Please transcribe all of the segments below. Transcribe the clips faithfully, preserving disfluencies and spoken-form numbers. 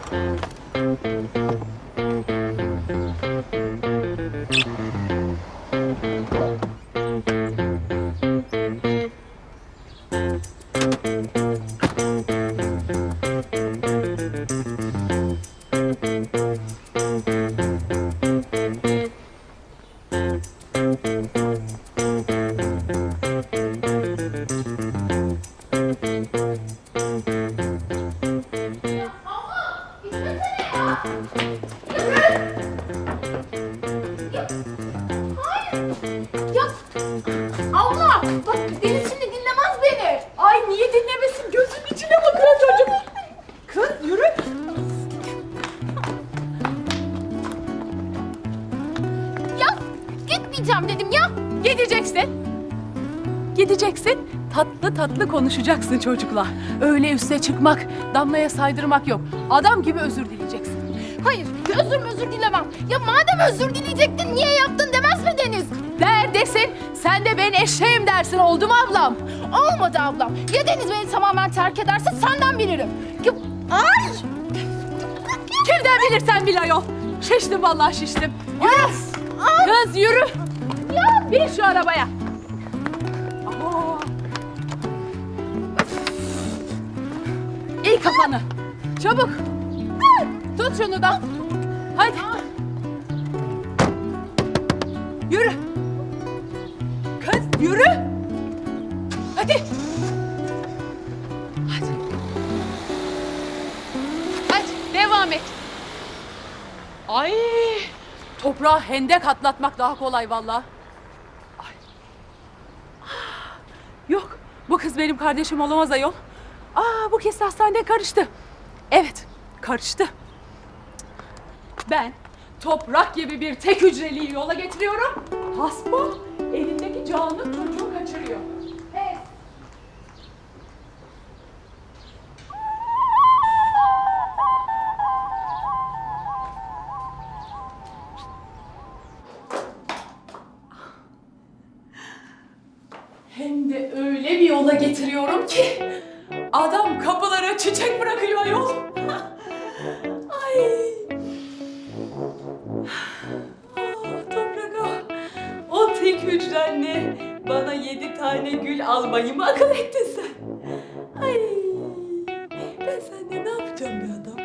Dedim ya. Gideceksin. Gideceksin. Tatlı tatlı konuşacaksın çocukla. Öyle üste çıkmak, Damla'ya saydırmak yok. Adam gibi özür dileyeceksin. Hayır, özür özür dilemem. Ya madem özür dileyecektin, niye yaptın demez mi Deniz? Der desin, sen de ben eşeğim dersin. Oldu mu ablam? Olmadı ablam. Ya Deniz beni tamamen terk ederse senden bilirim. Ya, ay! Kimden bilirsen bil ayol. Şiştim vallahi şiştim. Yürü. Kız yürü. Ya bin şu arabaya. Aa. İyi kafanı. Çabuk. Tut şunu da. Hadi. Yürü. Kız yürü. Hadi. Hadi. Hadi devam et. Ay. Toprağa hendek atlatmak daha kolay vallahi. Ay. Yok, bu kız benim kardeşim olamaz ayol. Aa, bu kez hastanede karıştı. Evet, karıştı. Ben toprak gibi bir tek hücreliyi yola getiriyorum. Hasbam elindeki canlı çocuğu kaçırıyor. Evet. Hem de öyle bir yola getiriyorum ki adam kapılara çiçek bırakıyor ayol. Ay. Ah, Toprak ah. O tek hücrenle bana yedi tane gül almayı mı akıl ettin sen? Ay. Ben seninle ne yapacağım be adam?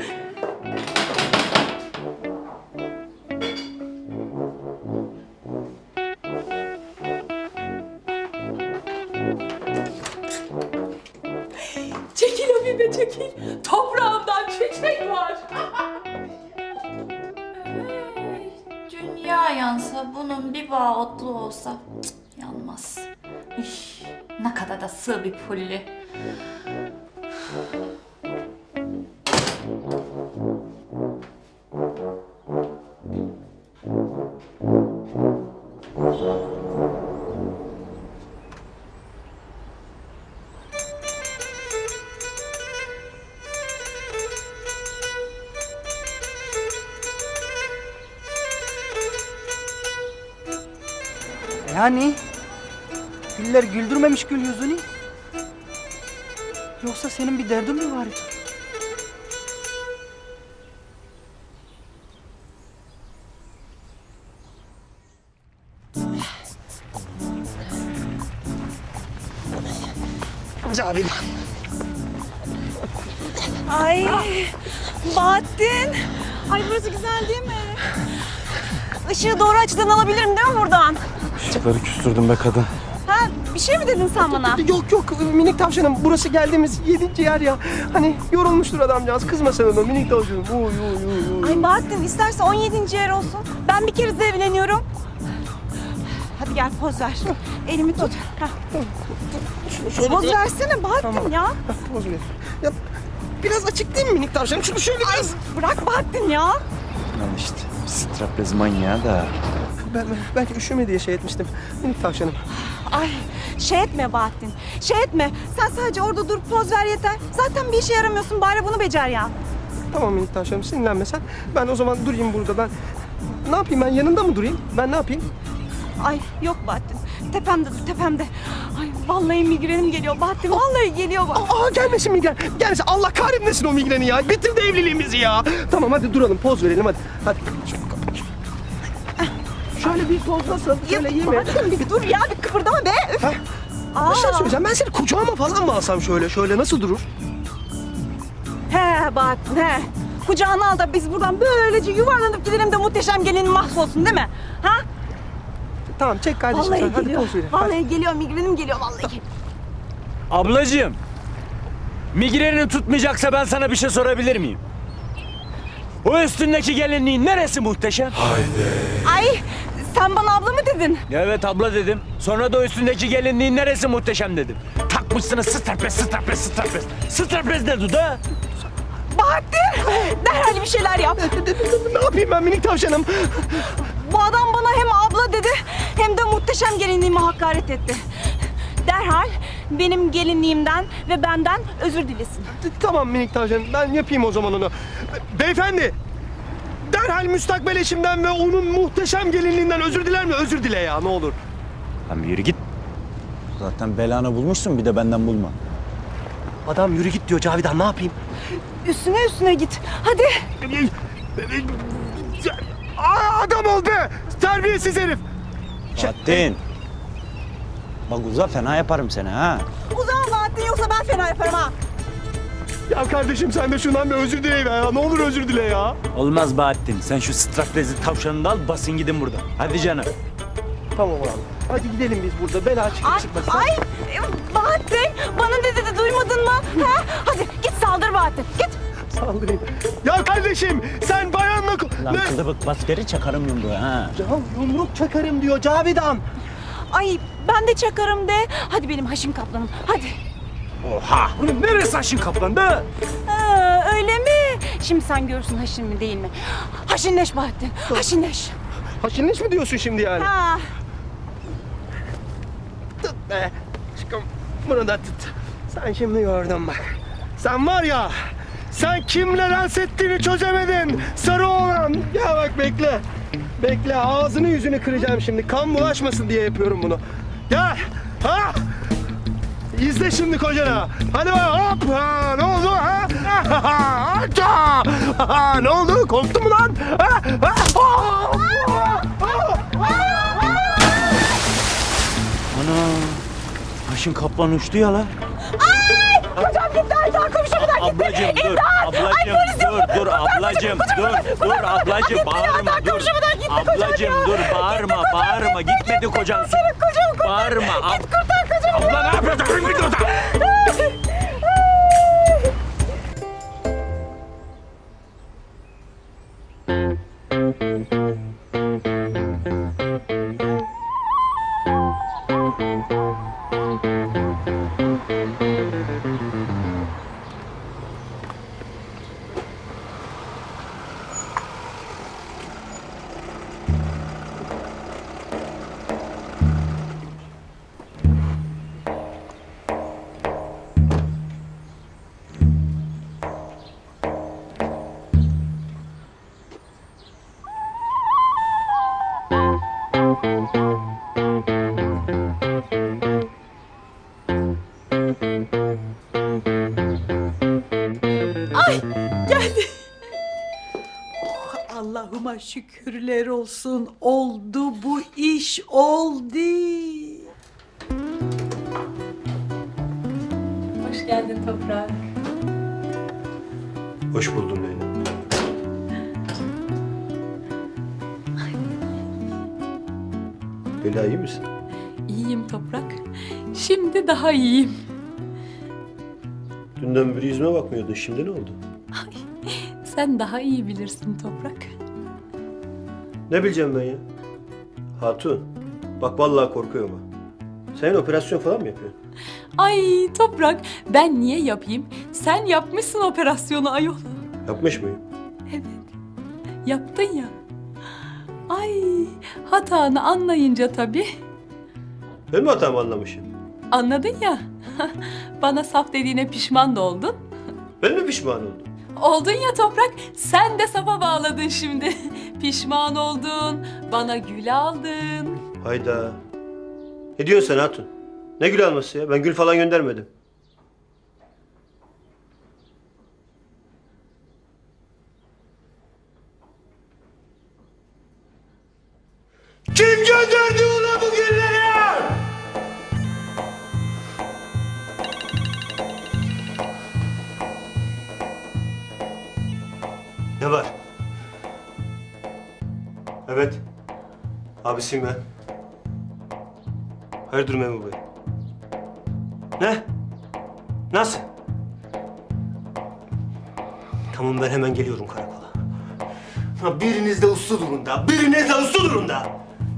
Çekil Habibe çekil. Toprağımdan çiçek var. Dünya yansa, bunun bir bağı otlu olsa cık, yanmaz. Üf, ne kadar da sığ bir pulli. Yani güller güldürmemiş gül yüzünü. Yoksa senin bir derdin mi var? Cavidan. Ay Bahattin. Ay burası güzel değil mi? Işığı doğru açıdan alabilirim değil mi buradan? Işıkları küstürdüm be kadın. Ha bir şey mi dedin sen bana? Yok yok minik tavşanım, burası geldiğimiz yedinci yer ya. Hani yorulmuştur adamcağız, kızma sen ona minik tavşanım. Uy uy uy uy. Ay Bahattin isterse on yedinci yer olsun. Ben bir kere de evleniyorum. Hadi gel poz ver. Elimi tut. Heh. Şöyle Poz bir- versene Bahattin Tamam. ya. Heh, poz ver. Ya biraz açık değil mi minik tavşanım? Şunu şöyle Ay biraz... bırak Bahattin ya. Al işte straplez manyağı da. Ben, ben belki üşüme diye şey etmiştim minik tavşanım. Ay şey etme Bahattin. Şey etme. Sen sadece orada dur poz ver yeter. Zaten bir işe yaramıyorsun, bari bunu becer ya. Tamam minik tavşanım, sinirlenme sen. Ben o zaman durayım burada ben. Ne yapayım, ben yanında mı durayım? Ben ne yapayım? Ay yok Bahattin. tepemde dur tepemde. Ay vallahi migrenim geliyor Bahattin. Vallahi geliyor bak. Aa gelmesin migren. Gelmesin. Allah kahretmesin o migreni ya. Bitirdi evliliğimizi ya. Tamam hadi duralım. Poz verelim hadi. Hadi. Şöyle bir poz nasıl? Şöyle iyi mi? Bahattin bir dur ya bir kıpırdama be. Üf. Ha? Aa. Bir şey söyleyeceğim. Ben seni kucağıma falan mı alsam şöyle? Şöyle nasıl durur? He Bahattin he. Kucağına al da biz buradan böylece yuvarlanıp gidelim de muhteşem gelinin mahvolsun değil mi? Ha? Tamam çek kardeşim Vallahi sen. Hadi geliyor. poz verelim. Vallahi geliyor migrenim geliyor vallahi. Ablacığım. Migrenin tutmayacaksa ben sana bir şey sorabilir miyim? O üstündeki gelinliğin neresi muhteşem? Ay sen bana abla mı dedin? Evet abla dedim. Sonra da o üstündeki gelinliğin neresi muhteşem dedim. Takmışsınız straplez, straplez, straplez. Straplez ne duda? Bahattin derhal bir şeyler yap. Ne yapayım ben minik tavşanım? Bu adam bana hem abla dedi hem de muhteşem gelinliğime hakaret etti. Derhal benim gelinliğimden ve benden özür dilesin. Tamam minik tavşanım. Ben yapayım o zaman onu. Beyefendi. Derhal müstakbel eşimden ve onun muhteşem gelinliğinden özür diler mi? Özür dile ya ne olur. Lan bir yürü git. Zaten belanı bulmuşsun bir de benden bulma. Adam yürü git diyor Cavidan ne yapayım? Üstüne üstüne git. Hadi. Aa, adam ol be! Terbiyesiz herif! Bahattin. Bak uza fena yaparım seni ha. Uzan Bahattin yoksa ben fena yaparım ha. Ya kardeşim sen de şundan bir özür dile ya. Ne olur özür dile ya. Olmaz Bahattin. Sen şu straplezi tavşanını da al basın gidin buradan. Hadi canım. Tamam abi. Hadi gidelim biz burada. Bela çıkıp Ay, çıkmasın. ay Bahattin bana ne dedi duymadın mı? Ha? Hadi git saldır Bahattin git. Saldırayım. Ya kardeşim sen bayanla... ko- Lan Ne? kılıbık bas geri çakarım yumruğu ha. Ya yumruk çakarım diyor Cavidan. Ay ben de çakarım de. Hadi benim Haşim Kaplan'ım hadi. Oha! Bunun neresi aşın kaplan be? Ha, öyle mi? Şimdi sen görürsün Haşin mi değil mi? Haşinleş Bahattin haşinleş. Haşinleş mi diyorsun şimdi yani? Ha. Tut be. Aşkım bunu da tut. Sen şimdi gördün bak. Sen var ya, sen kimle dans ettiğini çözemedin. Sarı oğlan. Ya bak bekle. Bekle ağzını yüzünü kıracağım şimdi. Kan bulaşmasın diye yapıyorum bunu. Gel. Ha? İzle şimdi kocana. Hadi bak hop. Ha, ne oldu ha? Ha, ha, ha, ha, ne oldu? Korktun mu lan? Ha? Ha? Ha? Ha? Ana! Aşın kaplan uçtu ya la. Kocam gitti Aydan komşumadan gitti. Ablacım dur, ablacım dur, dur ablacım, dur, dur ablacım bağırma, dur. Ablacım dur, bağırma, bağırma, gitmedi kocan su. Bağırma. Git kurtar kocamı. Abla ne yapıyorsun? Git oradan. Allah'ıma şükürler olsun. Oldu bu iş oldu. Hoş geldin Toprak. Hoş buldum Leyla. Leyla iyi misin? İyiyim Toprak. Şimdi daha iyiyim. Dünden beri yüzüme bakmıyordun. Şimdi ne oldu? Sen daha iyi bilirsin Toprak. Ne bileceğim ben ya? Hatun, bak vallahi korkuyorum ha. Sen operasyon falan mı yapıyorsun? Ay Toprak, ben niye yapayım? Sen yapmışsın operasyonu ayol. Yapmış mıyım? Evet, yaptın ya. Ay, hatanı anlayınca tabii. Ben mi hatamı anlamışım? Anladın ya. Bana saf dediğine pişman da oldun. Ben mi pişman oldum? Oldun ya Toprak, sen de safa bağladın şimdi. Pişman oldun, bana gül aldın. Hayda. Ne diyorsun sen hatun? Ne gül alması ya? Ben gül falan göndermedim. Kim gönderdi ona bu gülleri? Ne var? Evet. Abisiyim ben. Hayırdır memur bey? Ne? Nasıl? Tamam ben hemen geliyorum karakola. Ha, biriniz de uslu durun da. Biriniz de uslu durun da.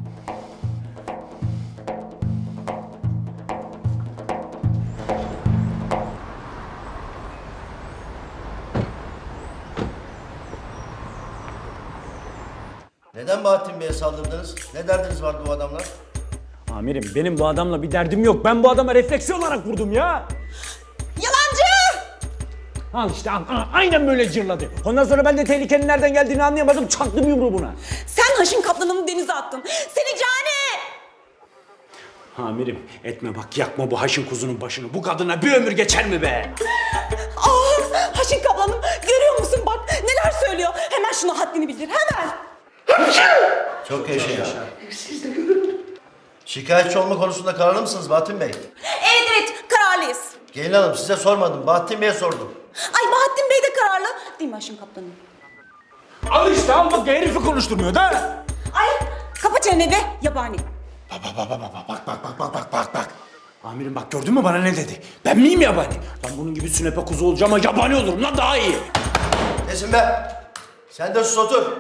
Neden Bahattin Bey'e saldırdınız? Ne derdiniz vardı bu adamla? Amirim benim bu adamla bir derdim yok. Ben bu adama refleksi olarak vurdum ya. Yalancı! Al işte al, al, aynen böyle cırladı. Ondan sonra ben de tehlikenin nereden geldiğini anlayamadım. Çaktım yumruğu buna. Sen Haşim Kaplan'ımı denize attın. Seni cani! Amirim etme bak yakma bu haşin kuzunun başını. Bu kadına bir ömür geçer mi be? Aa, Haşim Kaplan'ım görüyor musun bak neler söylüyor. Hemen şuna haddini bildir hemen. Çok yaşa ya. Şikayetçi olma konusunda kararlı mısınız Bahattin Bey? Evet evet kararlıyız. Gelin hanım size sormadım. Bahattin Bey'e sordum. Ay Bahattin Bey de kararlı. Değil mi Haşim Kaplan'ım? Al işte al bak herifi konuşturmuyor da. Ay kapa çeneni be yabani. Bak bak bak bak bak bak bak bak bak bak bak. Amirim bak gördün mü bana ne dedi? Ben miyim yabani? Ben bunun gibi sünepe kuzu olacağım ama yabani olurum lan daha iyi. Kesin be. Sen de sus otur.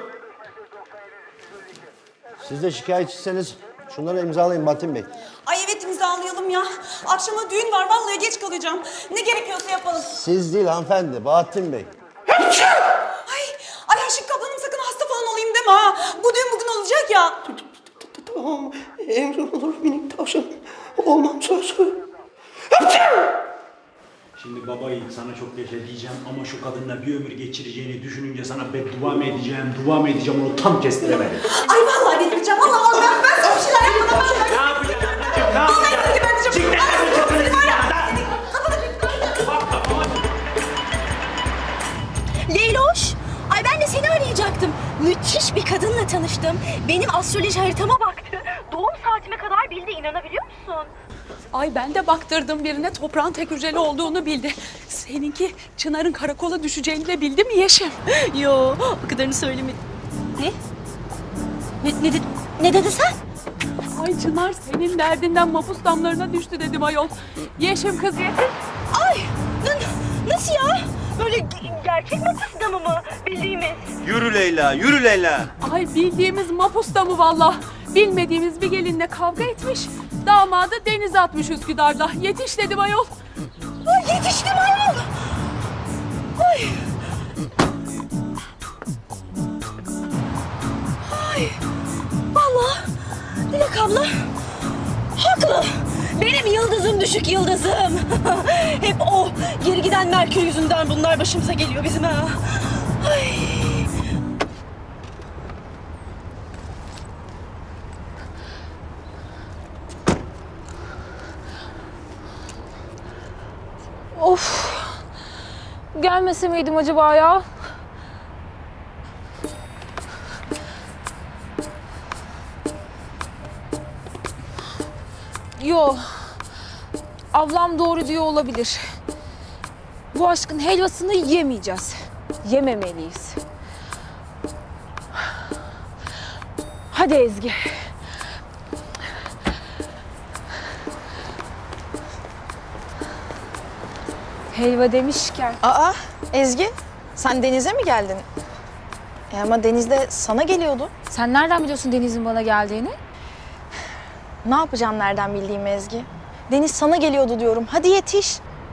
Siz de şikayetçiseniz şunları imzalayın Bahattin Bey. Ay evet imzalayalım ya. Akşama düğün var vallahi geç kalacağım. Ne gerekiyorsa yapalım. Siz değil hanımefendi, Bahattin Bey. Ay, ay Haşim Kaplan'ım sakın hasta falan olayım deme ha. Bu düğün bugün olacak ya. Tamam. Emrin olur minik tavşan. Olmam söz. Şimdi baba yiğit sana çok yaşa diyeceğim ama şu kadınla bir ömür geçireceğini düşününce sana beddua mı edeceğim, dua mı edeceğim onu tam kestiremedim. Ay vallahi delireceğim. Vallahi vallahi ben, ben sana bir şeyler yapmadan ben. Ne yapacağım? Ne yapacağım? Vallahi seni geberteceğim. Çık Ay, lan seni var ya. Leyloş, ay ben de seni arayacaktım. Müthiş bir kadınla tanıştım. Benim astroloji haritama baktı. Doğum saatime kadar bildi, inanabiliyor musun? Ay ben de baktırdım birine toprağın tek hücreli olduğunu bildi. Seninki Çınar'ın karakola düşeceğini de bildi mi Yeşim? Yo, o kadarını söylemedim. Ne? Ne, ne, dedi, ne dedi sen? Ay Çınar senin derdinden mapus damlarına düştü dedim ayol. Yeşim kız Yeşim. Ay, n- nasıl ya? Böyle ge- gerçek mapus damı mı bildiğimiz? Yürü Leyla, yürü Leyla. Ay bildiğimiz mapus damı valla. Bilmediğimiz bir gelinle kavga etmiş. Damadı denize atmış Üsküdar'da. Yetiş dedim ayol. Ay, yetiştim ayol. Ay. Ay. Vallahi Dilek abla haklı. Benim yıldızım düşük yıldızım. Hep o geri giden Merkür yüzünden bunlar başımıza geliyor bizim ha. Ay. Of. Gelmese miydim acaba ya? Yo. Ablam doğru diyor olabilir. Bu aşkın helvasını yemeyeceğiz. Yememeliyiz. Hadi Ezgi. Helva demişken. Aa Ezgi sen denize mi geldin? E ama denizde sana geliyordu. Sen nereden biliyorsun Deniz'in bana geldiğini? Ne yapacağım nereden bildiğim Ezgi? Deniz sana geliyordu diyorum. Hadi yetiş.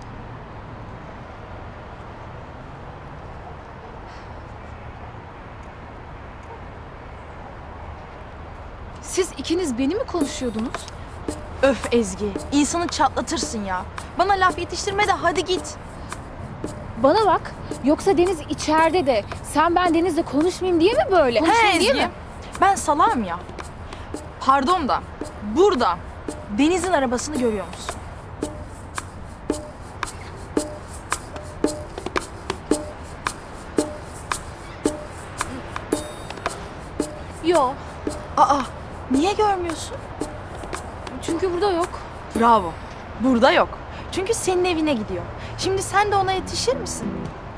Siz ikiniz beni mi konuşuyordunuz? Öf Ezgi. İnsanı çatlatırsın ya. Bana laf yetiştirme de hadi git. Bana bak. Yoksa Deniz içeride de sen ben Deniz'le konuşmayayım diye mi böyle? He Konuşmayayım diye Ezgi. mi? Ben salağım ya. Pardon da burada Deniz'in arabasını görüyor musun? Yo. Aa, niye görmüyorsun? Çünkü burada yok. Bravo. Burada yok. Çünkü senin evine gidiyor. Şimdi sen de ona yetişir misin?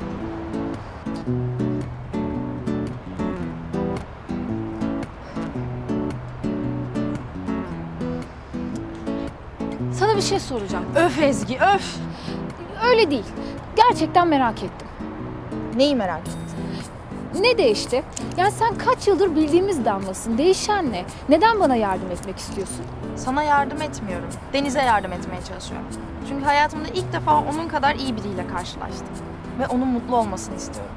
Sana bir şey soracağım. Öf Ezgi, öf. Öyle değil. Gerçekten merak ettim. Neyi merak ettin? Ne değişti? Yani sen kaç yıldır bildiğimiz Damla'sın. Değişen ne? Neden bana yardım etmek istiyorsun? Sana yardım etmiyorum. Deniz'e yardım etmeye çalışıyorum. Çünkü hayatımda ilk defa onun kadar iyi biriyle karşılaştım. Ve onun mutlu olmasını istiyorum.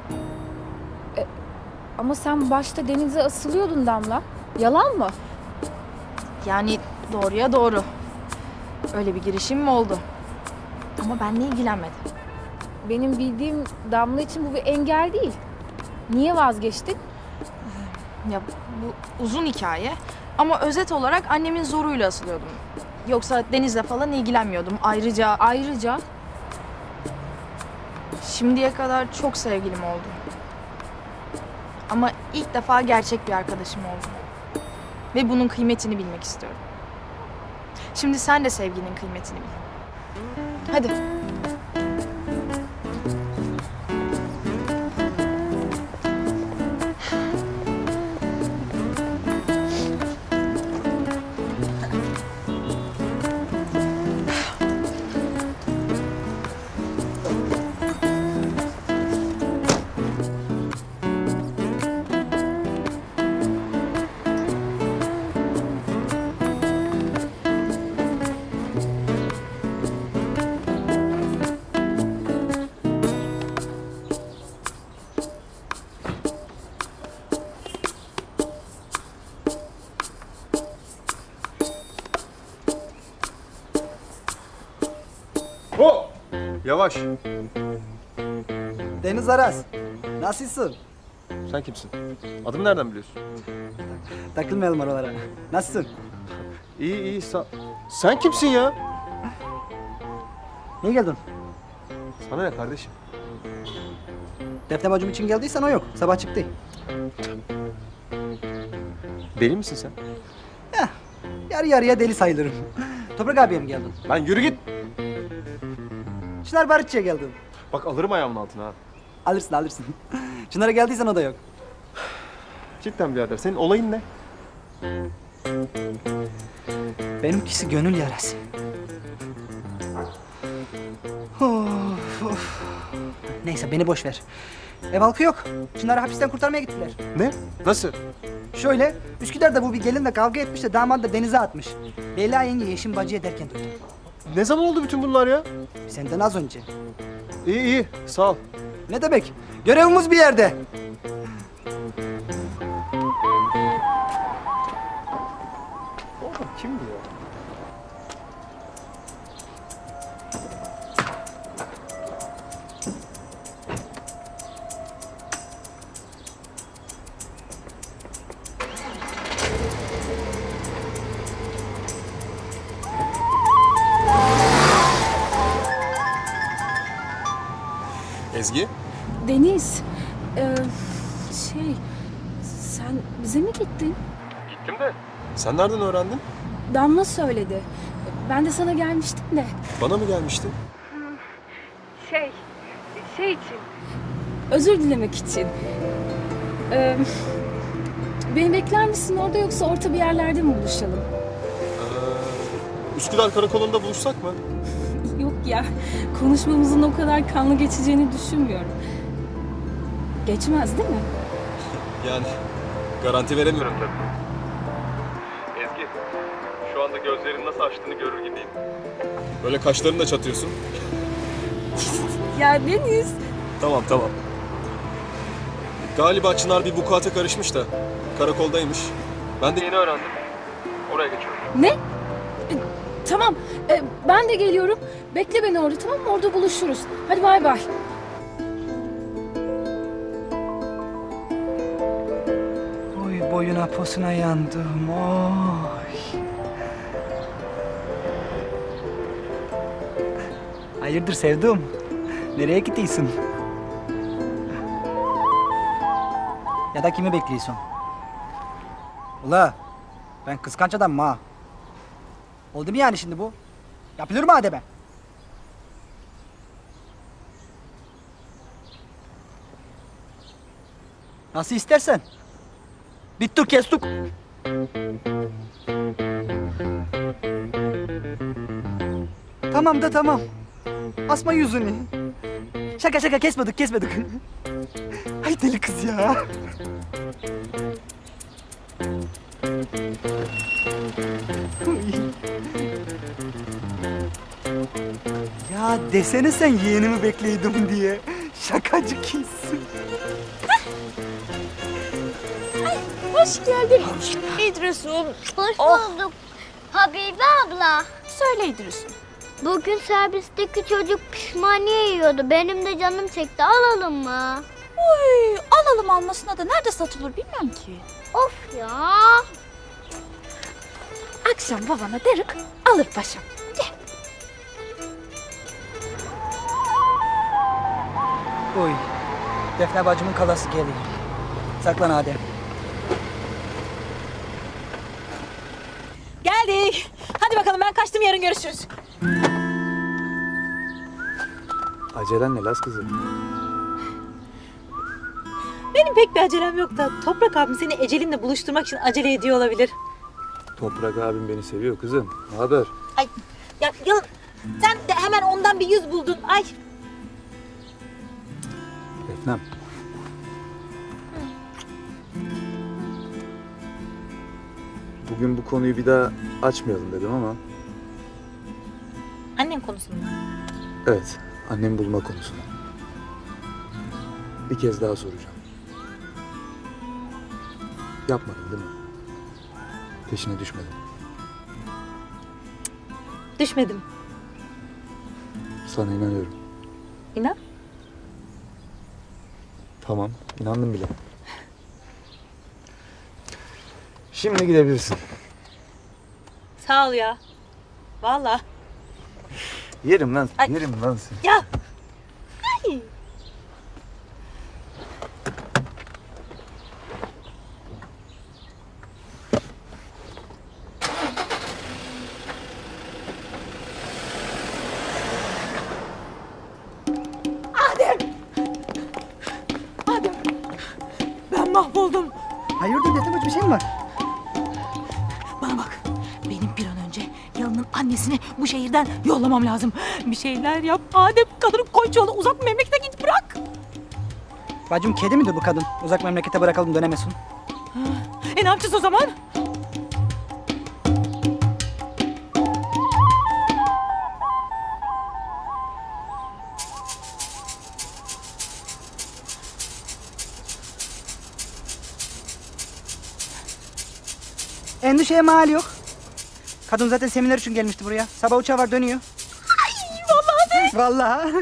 Ama sen başta denize asılıyordun Damla. Yalan mı? Yani doğruya doğru. Öyle bir girişim mi oldu? Ama benle ilgilenmedi. Benim bildiğim Damla için bu bir engel değil. Niye vazgeçtin? Ya bu uzun hikaye. Ama özet olarak annemin zoruyla asılıyordum. Yoksa Deniz'le falan ilgilenmiyordum. Ayrıca Ayrıca şimdiye kadar çok sevgilim oldu. Ama ilk defa gerçek bir arkadaşım oldu. Ve bunun kıymetini bilmek istiyorum. Şimdi sen de sevginin kıymetini bil. Hadi. Hop! Yavaş. Deniz Aras, nasılsın? Sen kimsin? Adımı nereden biliyorsun? Takılmayalım oralara. Nasılsın? İyi iyi. Sa- Sen kimsin ya? Niye geldin? Sana ne kardeşim? Defne bacım için geldiysen o yok. Sabah çıktı. Deli misin sen? Heh, yarı yarıya deli sayılırım. Toprak abiye mi geldin? Lan yürü git. Çınar Barışçı'ya geldin. Bak alırım ayağımın altına ha. Alırsın alırsın. Çınar'a geldiysen o da yok. Cidden birader. Senin olayın ne? Benimkisi gönül yarası. Of, of. Neyse beni boş ver. Ev halkı yok. Çınar'ı hapisten kurtarmaya gittiler. Ne? Nasıl? Şöyle, Üsküdar'da bu bir gelinle kavga etmiş de damat da denize atmış. Leyla yenge Yeşim bacıya derken duydum. Ne zaman oldu bütün bunlar ya? Senden az önce. İyi iyi. Sağ ol. Ne demek? Görevimiz bir yerde. Kim bu ya? Ezgi? Deniz, e, şey, sen bize mi gittin? Gittim de. Sen nereden öğrendin? Damla söyledi. Ben de sana gelmiştim de. Bana mı gelmiştin? Şey, şey için. Özür dilemek için. Ee, beni bekler misin orada yoksa orta bir yerlerde mi buluşalım? Ee, Üsküdar Karakolu'nda buluşsak mı? Yok ya, konuşmamızın o kadar kanlı geçeceğini düşünmüyorum. Geçmez değil mi? Yani garanti veremiyorum tabii. Ezgi, şu anda gözlerin nasıl açtığını görür gibiyim. Böyle kaşlarını da çatıyorsun. Ya Deniz. Tamam tamam. Galiba Çınar bir vukuata karışmış da karakoldaymış. Ben de yeni öğrendim. Oraya geçiyorum. Ne? E, tamam, e, ben de geliyorum. Bekle beni orada, tamam mı? Orada buluşuruz. Hadi bay bay. Oy boyuna posuna yandım. Oy. Hayırdır sevdum? Nereye gidiyorsun? Ya da kimi bekliyorsun? Ula ben kıskanç adamım ha. Oldu mu yani şimdi bu? Yapılır mı ademe? Nasıl istersen. Bittuk kestuk. Tamam da tamam. Asma yüzünü. Şaka şaka kesmedik kesmedik. Ay deli kız ya. Ya desene sen yeğenimi bekliyordum diye. Şakacı kız. Hoş geldin. İdris'im. Hoş Oh. bulduk. Habibe abla. Söyle İdris'im. Bugün servisteki çocuk pişmaniye yiyordu. Benim de canım çekti. Alalım mı? Uy, alalım almasına da nerede satılır bilmem ki. Of ya. Akşam babana derik alır paşam. Gel. Oy. Defne bacımın kalası geliyor. Saklan Adem. Geldik. Hadi bakalım ben kaçtım yarın görüşürüz. Acelen ne Laz kızım? Benim pek bir acelem yok da Toprak abim seni Ecelin'le buluşturmak için acele ediyor olabilir. Toprak abim beni seviyor kızım. Ne haber? Ay ya Yalın sen de hemen ondan bir yüz buldun. Ay. Defnem. Bugün bu konuyu bir daha açmayalım dedim ama... Annen konusunda. Evet, annemi bulma konusunu. Bir kez daha soracağım. Yapmadın değil mi? Peşine düşmedin. Düşmedim. Sana inanıyorum. İnan. Tamam, inandım bile. Şimdi gidebilirsin. Sağ ol ya. Vallahi. Yerim lan, Ay. yerim lan seni. Ya. Ay. Adem. Adem. Ben mahvoldum. Hayırdır Defne bacı bir şey mi var? Bana bak. Benim bir an önce Yalın'ın annesini bu şehirden yollamam lazım. Bir şeyler yap. Adem kadını koy yolda uzak memlekete git bırak. Bacım kedi midir bu kadın? Uzak memlekete bırakalım dönemesin. E ne yapacağız o zaman? Endişeye mal yok. Kadın zaten seminer için gelmişti buraya. Sabah uçağı var dönüyor. Ay vallahi de. Vallahi.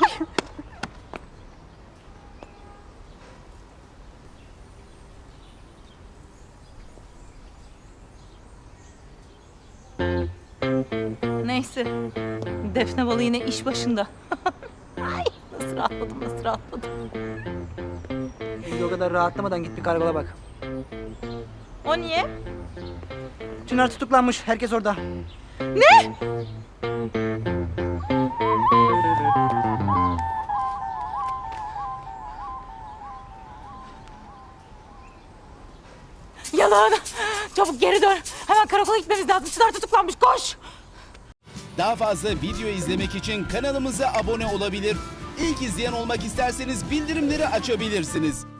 Neyse. Defne balı yine iş başında. Ay nasıl rahatladım nasıl rahatladım. Şimdi o kadar rahatlamadan git bir karakola bak. O niye? Çınar tutuklanmış. Herkes orada. Ne? Yalan. Çabuk geri dön. Hemen karakola gitmemiz lazım. Çınar tutuklanmış. Koş. Daha fazla video izlemek için kanalımıza abone olabilir. İlk izleyen olmak isterseniz bildirimleri açabilirsiniz.